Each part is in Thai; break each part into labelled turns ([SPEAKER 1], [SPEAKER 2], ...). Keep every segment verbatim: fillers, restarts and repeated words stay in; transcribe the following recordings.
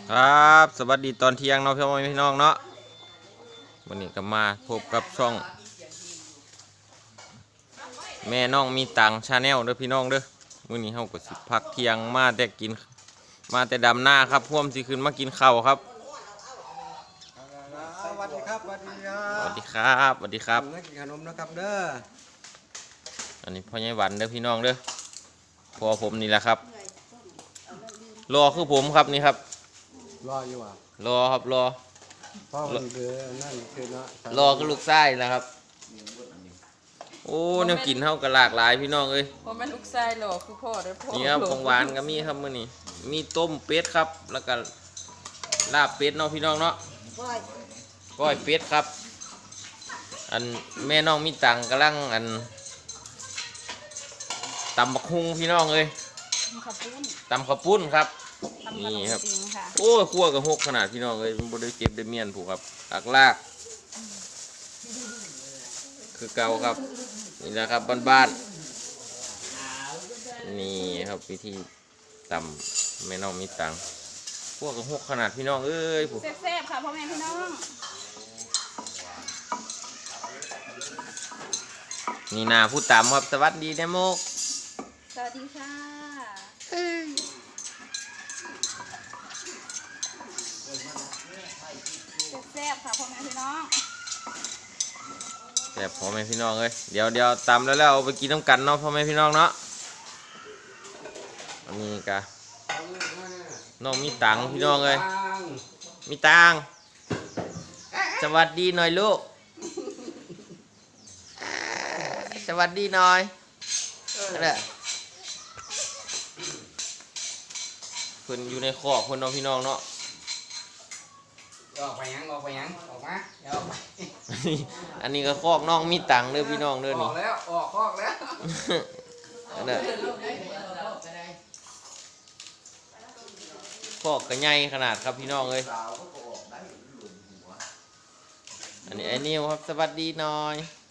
[SPEAKER 1] ครับสวัสดีตอนเที่ยงเนาะพี่น้องพี่น้องเนาะวันนี้ก็มาพบกับช่องแม่น้องมีตังชาแนลเด้อพี่น้องเด้อวันนี้เฮาก็สิพักเที่ยงมาแต่กินมาแต่ดำหน้าครับพ่วมสิขึ้นมากินข้าวครับ
[SPEAKER 2] สวัสดีครับสวัสดีครั
[SPEAKER 1] สวั
[SPEAKER 2] บ
[SPEAKER 1] สดีครับสวัสดีครับ
[SPEAKER 2] นักกินขนมนะครับเด้อ
[SPEAKER 1] อันนี้พ่อใหญ่หวันเด้อพี่น้องเด้อพอผมนี่แหละครับรอคือผมครับนี่ครับ
[SPEAKER 2] รออยู่อ่ะ
[SPEAKER 1] รอครับรอ
[SPEAKER 2] พ่อคนเดือนั่นคือเนาะ
[SPEAKER 1] รอคือลูกไส้นะครับโอ้แนวกินเท่ากับหลากหลายพี่น้องเอ้ย
[SPEAKER 3] พ่อแม่ลูกชายหล่อคือพ่อเด้อพ่อ
[SPEAKER 1] นี่ครับของหวานก็มีครับมื้อนี้มีต้มเป็ดครับแล้วก็ลาบเป็ดเนาะพี่น้องเนาะก้อยเป็ดครับอันแม่น้องมีตังกำลังอันตำบักฮุงพี่น้องเอ้ย
[SPEAKER 3] ขับปุ้น
[SPEAKER 1] ตำข้าวปุ้นครับ
[SPEAKER 3] ทำขน
[SPEAKER 1] นี่
[SPEAKER 3] ม
[SPEAKER 1] ครับ
[SPEAKER 3] จริงค่ะ
[SPEAKER 1] โอ้ยคั่วกับหกขนาดพี่น้องเอ้ยมันบ่ได้เก็บได้เมียนผูกครับลากลากคือเก่าครับนี่แหละครับบ้านๆนี่ครับวิธีตำแม่น้องมีตังคั่วกับหกขนาดพี่น้องเอ้ยผูก
[SPEAKER 3] แซ่บๆค่ะพ่อแม่พี่น้อง
[SPEAKER 1] นี่นาผู้ตำครับสวัสดีเดโมก
[SPEAKER 3] สวัสดีค่ะแซ่บๆค่ะพ่อแม่พี่น้อง
[SPEAKER 1] แต่พ่อแม่พี่น้องเอ้ยเดี๋ยวเดี๋ยวตำแล้วแล้วเอาไปกินน้ำกันเนาะพ่อแม่พี่น้องเนาะอันนี้กะน้องมีตังพี่น้องเอ้ยมีตังสวัสดีหน่อยลูกสวัสดีหน่อยนั่นแหละเพิ่นอยู่ในคอกเพิ่นเนาะพี่น้องเนาะ
[SPEAKER 2] ออกไปยังออกไปยังออกมาเดี๋ยวออกไป
[SPEAKER 1] อันนี้ก็คอกน้องมีตังเด้อพี่น้องเด้อ
[SPEAKER 2] อ
[SPEAKER 1] นี่
[SPEAKER 2] อกแล้วออกคอกแล้ว
[SPEAKER 1] นั่นแหละคอกก็ใหญ่ขนาดครับพี่น้องเอ้ยอันนี้ไอ้นิวครับสวัสดีหน่อย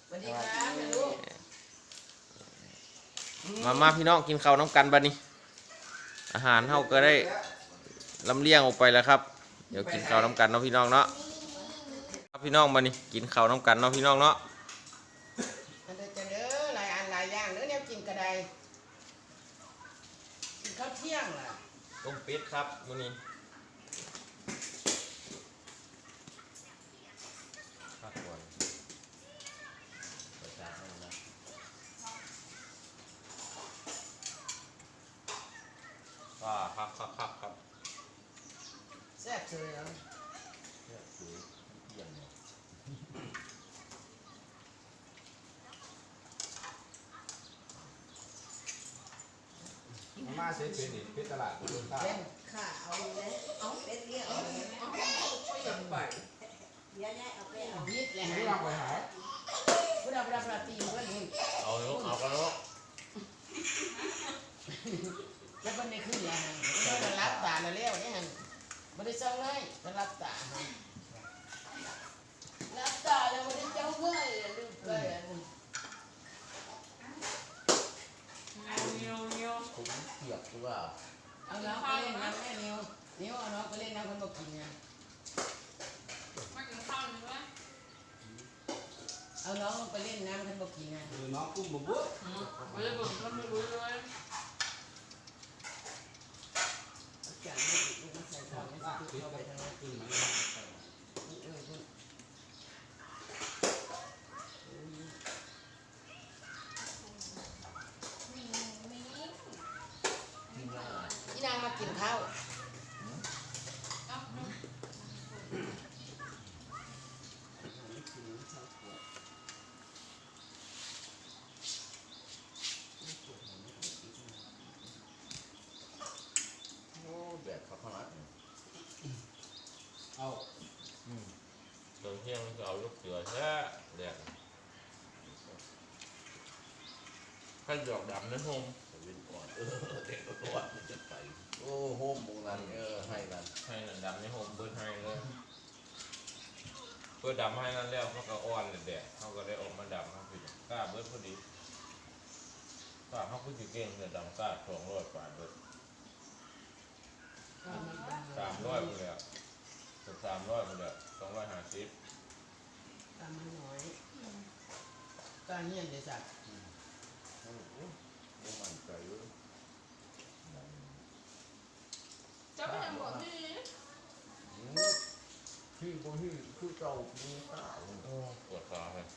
[SPEAKER 1] มามาพี่น้องกินข้าวน้ำกันบัดนี้อาหารเฮาก็ได้ลำเลียงออกไปแล้วครับเดี๋ยวกินข้าวน้ำกันเนาะพี่น้องเนาะครับพี่น้องบัดนี้กินข้าวน้ำกันเนาะพี่น้องเนาะ
[SPEAKER 4] อันเดอจะเด้อหลายอันหลายอย่างเด้อเนี่ยกินกระไดกินข้าวเที่ยงล่ะ
[SPEAKER 1] ต้มเป็ดครับมื้อนี้พักก่อนว่าครับครับครับครับ
[SPEAKER 4] แซ่บเลยเนาะ
[SPEAKER 2] มาเสร็จเป็นอีกเป็นตลาดคนตา
[SPEAKER 4] เล่นข้าเอาเลยเอาเป็ดเลี้ยงเอาเลยเอาไปเดี๋ยวเนี่ยเอาไปเอายิดเลย
[SPEAKER 2] ไม่
[SPEAKER 4] ฮะ
[SPEAKER 2] วางไปหา
[SPEAKER 4] พุทธพุทธพุทธตีมันก็นี่
[SPEAKER 1] เอาลูกเอากันลูก
[SPEAKER 4] แล้วมันได้ขึ้นแล้วฮะมันรับตาแล้วเลี้ยวเนี่ยฮะมันได้จ้องเลยมันรับตาฮะรับตาแล้วมันได้จ้องเลยลืมเลย
[SPEAKER 2] เปียกหรือเปล่า
[SPEAKER 4] เอาน้องไปเล่นน้ำแม่นิ้วนิ้วเอาน้องไปเล่นน้ำคนบอกกินไงเอาน้องไปเล่นน้ำคนบอกกินไง
[SPEAKER 2] คือน้องกุ้งบุบบุ๊บ
[SPEAKER 4] จังไม่ติดลูกใส่ของไม่ติดเข้าไปทางนั้นกินมันเออคุณพี่นางมากินข้าว
[SPEAKER 1] โอ้แบบเขาขนาด
[SPEAKER 2] เอา
[SPEAKER 1] ตอนเที่ยงก็เอาลูกเสือแท้แดดข้าหยอกดำนะโฮม
[SPEAKER 5] เป็นก่อนเออเด็กก็ว่ามันจะไปโอ้โหมงนั้นเออให้กัน
[SPEAKER 1] ให้หนังดำในโฮมเบิร์ดให้เลยเพื่อดำให้นั่นแล้วเขาก็อ่อนเลยแดดเขาก็ได้ออกมาดำเขาคือกล้าเบิร์ดพอดีกล้าเขาคือจีเก่งเลยดำกล้าสองร้อยกว่าเบิร์ดสามร้อยเลยามร้อยคนเดียวสองร้อยห้าสิบ
[SPEAKER 4] ตามมันน้อยการเงียนเลยสัตว์
[SPEAKER 5] บ่มั่นใจเลย
[SPEAKER 3] จะไปยังบอกนี่
[SPEAKER 5] ที่บ่ที่คือเจ้ามีตา
[SPEAKER 1] โอ้ปวดขาเลย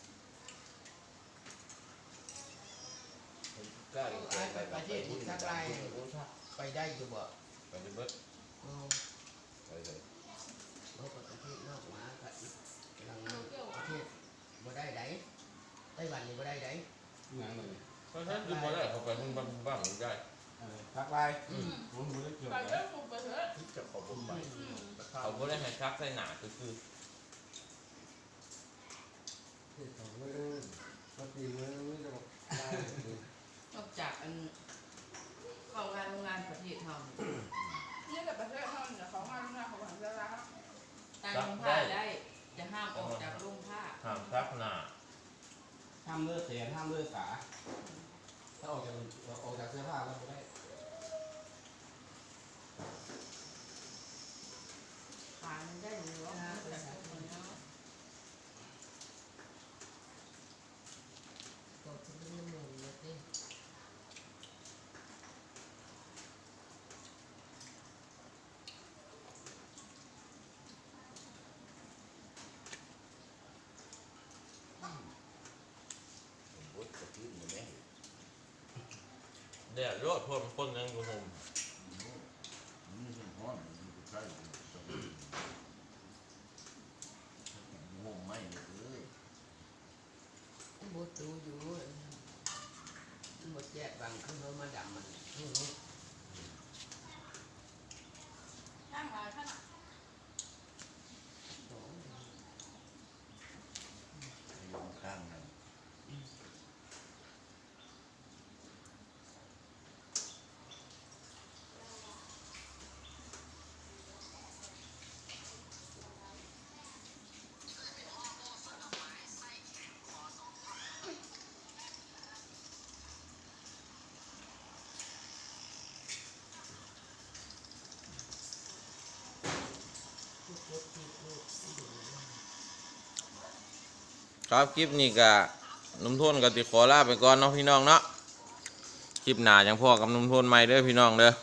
[SPEAKER 5] ใกล้ใกล้ไปประเทศที่สักไรโอ้ชัก
[SPEAKER 4] ไปได้อยู่บ่
[SPEAKER 1] ไปจะเบิด
[SPEAKER 4] อ๋อ
[SPEAKER 5] ไปเลย
[SPEAKER 4] เราไปประเทศนอกมากับอีกกำลังประเทศบ่ได้ไดไต้หวันนี่บ่ได้ได
[SPEAKER 2] งานเลย
[SPEAKER 1] เพราะฉะนั้นคือบ่ได้เขาไปมึงบ้างบ้างได้
[SPEAKER 2] ทักไลน์ผมไม่ได้เกี่ยว
[SPEAKER 3] ไปเรื่องมุกไปเถอะ
[SPEAKER 5] ที่จะขอบ่ไป
[SPEAKER 1] เขาบ่ได้ให้ชักใส่หนาคือคือ
[SPEAKER 2] ที่เขาไม่ได้ปกติมันไม่จะบอกได้
[SPEAKER 6] นอกจากอันเข้างานโรงงานประเทศเฮา
[SPEAKER 3] นี่กับประเทศเท่านี้เขามาหน้าเขาหวังจะรัก
[SPEAKER 6] ตั้งโรงผ้าได้จะห้ามออกจากโรงผ้า
[SPEAKER 1] ห้ามชักหนา
[SPEAKER 2] ห้ามเลือดเสียห้ามเลือดขาถ้าออกจากออกจากเสื้อผ้าแล้วไม่ได้
[SPEAKER 6] ขามันได้หรือว่าจากคนเนาะ
[SPEAKER 4] ก็จะเป็นน้ำมันเลยสิ
[SPEAKER 5] บ่จะขึ้นแม่
[SPEAKER 1] แดดรอดพวกมันคนยังอยู่ห่ม
[SPEAKER 5] นี่เป็นฮ้อนมันก็ใช่งงไม่เลย
[SPEAKER 4] บ่ตูอยู่บ่แจ๊ดบางคือเขามาดำมันอือ
[SPEAKER 3] ข้างหลายขนาด
[SPEAKER 5] อยู่ข้างนั้น
[SPEAKER 1] ครับคลิปนี้ก็นุ่มโทนกับติขอลาไปก่อนเนาะพี่น้องเนาะคลิปหน้าจังพ่อกับนุ่มโทนใหม่เด้อพี่น้องเด้อ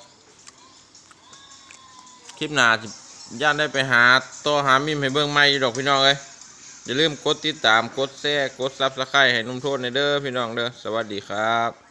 [SPEAKER 1] คลิปหน้าสิย่านได้ไปหาต่อหามิมให้เบิ่งใหม่อยู่ดอกพี่น้องเอ้ยอย่าลืมกดติดตามกดแชร์กดซับสไครต์ให้นุ่มโทนในเด้อพี่น้องเด้อสวัสดีครับ